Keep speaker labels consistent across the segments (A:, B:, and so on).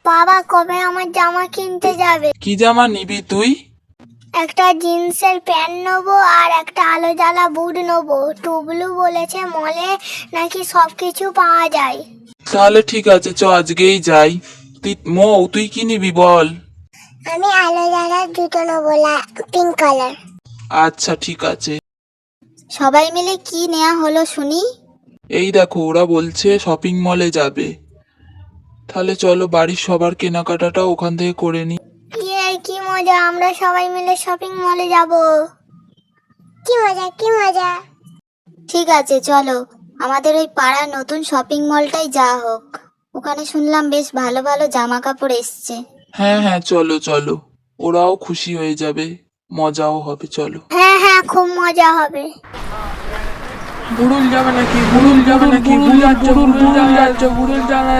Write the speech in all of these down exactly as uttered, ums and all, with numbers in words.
A: বাবা কবে আমার জামা কিনতে যাবে?
B: কি জামা নিবি তুই?
A: একটা জিন্সের প্যান্ট নেবো আর একটা আলো জ্বালা বুট নেবো। টুবলু বলেছে মলে নাকি সবকিছু পাওয়া যায়।
B: তাহলে ঠিক আছে, চ আজকেই যাই। তুই মৌ তুই কি নিবি বল?
A: আমি আলো জ্বালা জুতো নেবো, পিঙ্ক কালার।
B: আচ্ছা ঠিক আছে।
A: সবাই মিলে কি নেওয়া হলো শুনি?
B: এই দেখো ওরা বলছে শপিং মলে যাবে, তাহলে চলো বাড়ির সবার কেনাকাটাটা ওখান থেকে করে নি।
A: ইয়ে কি মজা, আমরা সবাই মিলে শপিং মলে যাব। কি মজা কি মজা। ঠিক আছে চলো, আমাদের ওই পাড়ার নতুন শপিং মলটাই যাওয়া হোক। ওখানে শুনলাম বেশ ভালো ভালো জামা কাপড় এসছে।
B: হ্যাঁ হ্যাঁ চলো চলো, ওরাও খুশি হয়ে যাবে, মজাও হবে, চলো।
A: হ্যাঁ হ্যাঁ খুব মজা হবে।
B: বুড়ুল যাবে নাকি? বুড়ুল যাবে নাকি? বুড়ুল যাচ্ছে, বুড়ুল যাচ্ছে, বুড়ুল যাবে।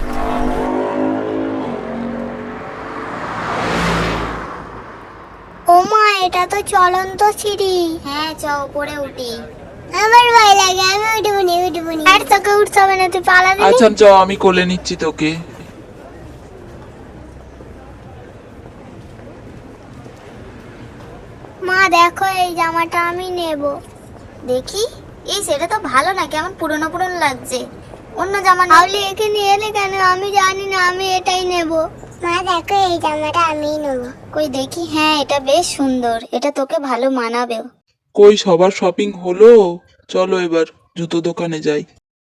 A: ও মা, এটা তো চলন্ত সিঁড়ি। হ্যাঁ চ উপরে উঠি। আমার ভয় লাগে, আমি উঠবো নি উঠবো নি। আর তোকে উঠতে হবে না, তুই পালাবি।
B: আচ্ছা চ আমি কোলে নিচ্ছি তোকে।
A: মা দেখো এই জামাটা আমি নেব। দেখি, এই সেটা তো ভালো না, কেমন পুরনো পুরনো লাগছে। অন্য জামা নাহলে এখানে এলে কেন? আমি জানি না, আমি এটাই নেব। মা দেখো এই জামাটা আমিই নেব। কই দেখি, হ্যাঁ এটা বেশ সুন্দর, এটা তোকে ভালো মানাবেও।
B: কই সবার শপিং হলো? চলো এবার জুতো দোকানে যাই।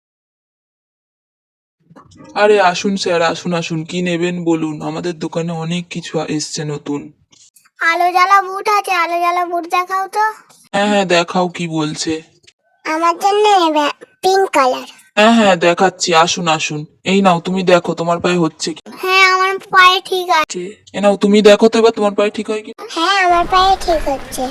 B: আরে আসুন স্যার, আসুন আসুন, কি নেবেন বলুন, আমাদের দোকানে অনেক কিছু এসছে নতুন।
A: আলো জ্বালা বুট আছে, আলো জ্বালা বুট দেখাও তো।
B: হ্যাঁ হ্যাঁ দেখাও, কি বলছে?
A: আমার জন্য নেবে পিঙ্ক কালার।
B: হ্যাঁ হ্যাঁ দেখাচ্ছি, আসুন আসুন। এই নাও তুমি দেখো তোমার পায়ে হচ্ছে কি।
A: হ্যাঁ আমার পায়ে ঠিক আছে।
B: এ নাও তুমি দেখো তো এবার তোমার পায়ে ঠিক হয় কি।
A: হ্যাঁ আমার পায়ে ঠিক হচ্ছে।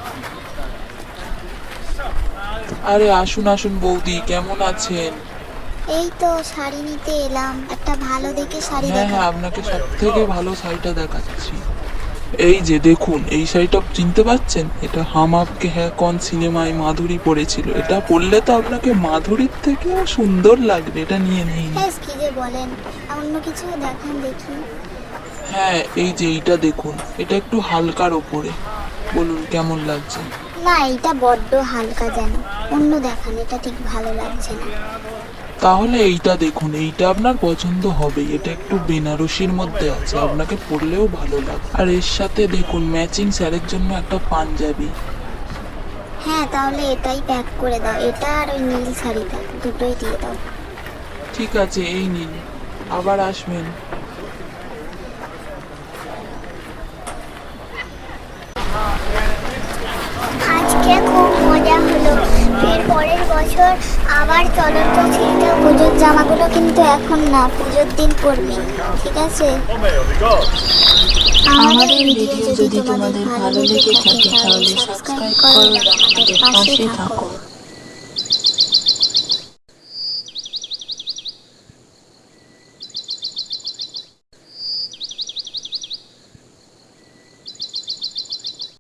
B: আরে আসুন আসুন বৌদি, কেমন আছেন?
A: এই তো শাড়ি নিতে এলাম, একটা ভালো দেখে শাড়ি
B: হ্যাঁ
A: দেখা।
B: হ্যাঁ আপনাকে সব থেকে ভালো শাড়িটা দেখাচ্ছি। এই যে দেখুন, এই শাড়িটা চিনতে পাচ্ছেন? এটা হাম আপকে হ্যাঁ কোন সিনেমায় মাধুরী পরেছিল। এটা পরলে তো আপনাকে মাধুরীর থেকেও সুন্দর লাগবে, এটা নিয়ে নিন।
A: হ্যাঁ কি যে বলেন, অন্য কিছু দেখান দেখি।
B: হ্যাঁ এই যে এইটা দেখুন, এটা একটু হালকার ওপরে, বলুন কেমন লাগছে?
A: না এটা বড্ড হালকা, যেন অন্য দেখান, এটা ঠিক ভালো লাগছে না।
B: তাহলে এইটা দেখুন, এইটা আপনার পছন্দ হবে। এটা একটু বেনারসির মধ্যে আছে, আপনাকে পরলেও ভালো লাগবে। আর এর সাথে দেখুন ম্যাচিং স্যারের জন্য একটা পাঞ্জাবি।
A: হ্যাঁ তাহলে এটাই প্যাক করে দাও, এটা আর ওই নীল শাড়িটা দুটোই দিয়ে দাও।
B: ঠিক আছে এই নিন, আবার আসবেন।
A: আজকে খুব মজা হলো, ফের পরের বছর আবার চলন্ত সিঁড়িটা। পুজোর জামাগুলো কিন্তু এখন না, পুজোর দিন পরবি, ঠিক আছে? আমাদের ভিডিও যদি তোমাদের ভালো লেগে থাকে তাহলে সাবস্ক্রাইব করো, আমাদের পাশে থাকো।